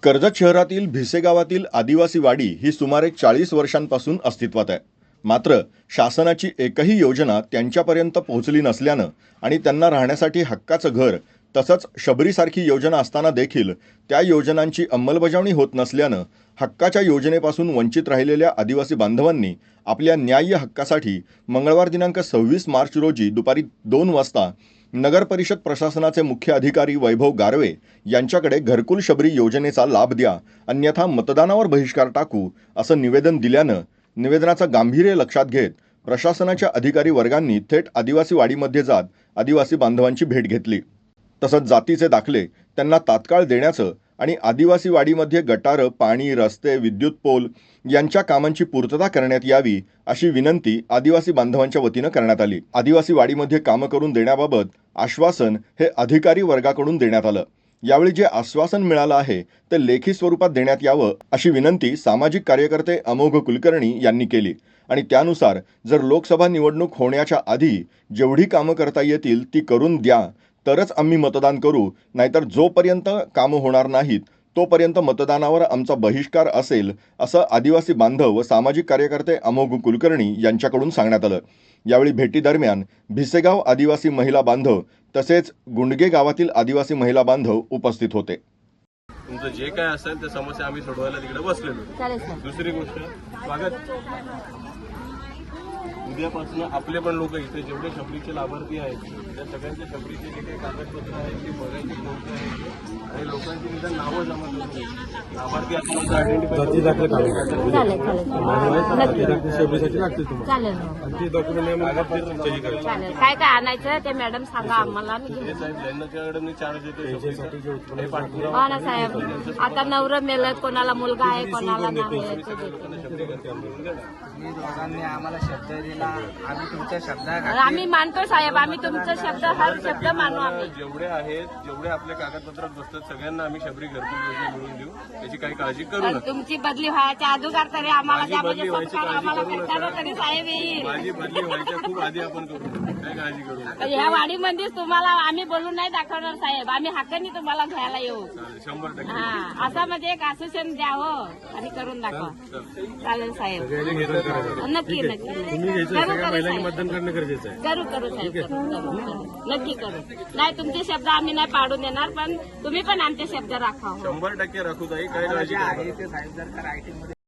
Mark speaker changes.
Speaker 1: कर्जत शहरातील भिसे गावातील आदिवासी वाडी ही सुमारे 40 वर्षांपासून अस्तित्वात आहे. मात्र शासनाची एकही योजना त्यांच्यापर्यंत पोहोचली नसल्यानं आणि त्यांना राहण्यासाठी हक्काचं घर तसंच शबरीसारखी योजना असताना देखील त्या योजनांची अंमलबजावणी होत नसल्यानं हक्काच्या योजनेपासून वंचित राहिलेल्या आदिवासी बांधवांनी आपल्या न्याय्य हक्कासाठी मंगळवार दिनांक 26 मार्च रोजी दुपारी 2 वाजता नगर परिषद प्रशासनाचे मुख्य अधिकारी वैभव गारवे यांच्याकडे घरकुल शबरी योजनेचा लाभ द्या, अन्यथा मतदानावर बहिष्कार टाकू असं निवेदन दिल्यानं निवेदनाचं गांभीर्य लक्षात घेत प्रशासनाच्या अधिकारी वर्गांनी थेट आदिवासी वाडीमध्ये जात आदिवासी बांधवांची भेट घेतली. तसंच जातीचे दाखले त्यांना तात्काळ देण्याचं आणि आदिवासी वाडीमध्ये गटारं, पाणी, रस्ते, विद्युत पोल यांच्या कामांची पूर्तता करण्यात यावी अशी विनंती आदिवासी बांधवांच्या वतीनं करण्यात आली. आदिवासी वाडीमध्ये कामं करून देण्याबाबत आश्वासन हे अधिकारी वर्गाकडून देण्यात आलं. यावेळी जे आश्वासन मिळालं आहे ते लेखी स्वरूपात देण्यात यावं अशी विनंती सामाजिक कार्यकर्ते अमोघ कुलकर्णी यांनी केली आणि त्यानुसार जर लोकसभा निवडणूक होण्याच्या आधी जेवढी कामं करता येतील ती करून द्या, तरच आम्ही मतदान करू, नाहीतर जोपर्यंत कामं होणार नाहीत तोपर्यंत मतदानावर आमचा बहिष्कार असेल असं आदिवासी बांधव व सामाजिक कार्यकर्ते अमोघ कुलकर्णी यांच्याकडून सांगण्यात आलं. यावेळी भेटीदरम्यान भिसेगाव आदिवासी महिला बांधव तसेच गुंडगे गावातील आदिवासी महिला बांधव उपस्थित होते.
Speaker 2: तुमचं जे काय असेल ते समस्या आम्ही सोडवायला तिकडे बसलेलो. दुसरी गोष्ट, स्वागत उद्यापासून आपले पण लोक इथे जेवढे शबरीचे लाभार्थी आहेत त्या सगळ्यांच्या शबरीचे जे काही कागदपत्र आहेत ते बघायचे कोणते आहेत आणि लोकांची निदान नावं जमा करून लाभार्थी आपण आयडेंटिफाय
Speaker 3: काय काय आणायचं ते मॅडम सांगा आम्हाला.
Speaker 2: साहेब ज्यांच्याकडे मी चार्ज देतो
Speaker 3: हो ना साहेब, आता नवरं मेलं, कोणाला मुलगा आहे कोणाला नाही.
Speaker 4: आम्हाला शब्द दिला, आम्ही तुमच्या शब्दात
Speaker 3: आम्ही मानतो साहेब, आम्ही तुमचा शब्द हर शब्द मानू. आम्ही
Speaker 2: जेवढे आहेत जेवढे आपल्या कागदपत्रात बसतात सगळ्यांना आम्ही शबरी घरकुल योजना मिळवून देऊ, त्याची काही काळजी करू नका.
Speaker 3: तुमची बदली व्हायच्या अगोदर तरी आम्हाला द्या, म्हणजे संस्कार आम्हाला भेटणार तरी साहेब येईल.
Speaker 2: माझी बदली व्हायच्या खूप आधी आपण करू, काही काळजी करू नका.
Speaker 3: ह्या वाडीमध्येच तुम्हाला आम्ही बोलून नाही दाखवणार साहेब, आम्ही हक्काने तुम्हाला घ्यायला येऊ.
Speaker 2: 100%
Speaker 3: हा, असं म्हणजे एक आश्वासन द्या हो आणि करून दाखवा. चालेल साहेब, नक्की नक्की
Speaker 2: मतदान करणं गरजेचं आहे.
Speaker 3: करू साहेब, करू नक्की करू. नाही तुमचे शब्द आम्ही नाही पाडून देणार, पण तुम्ही पण आमचे शब्द राखा.
Speaker 2: 100% राखू ताई, काय काळजी करू नका.
Speaker 4: साहेब जर का रायटिंग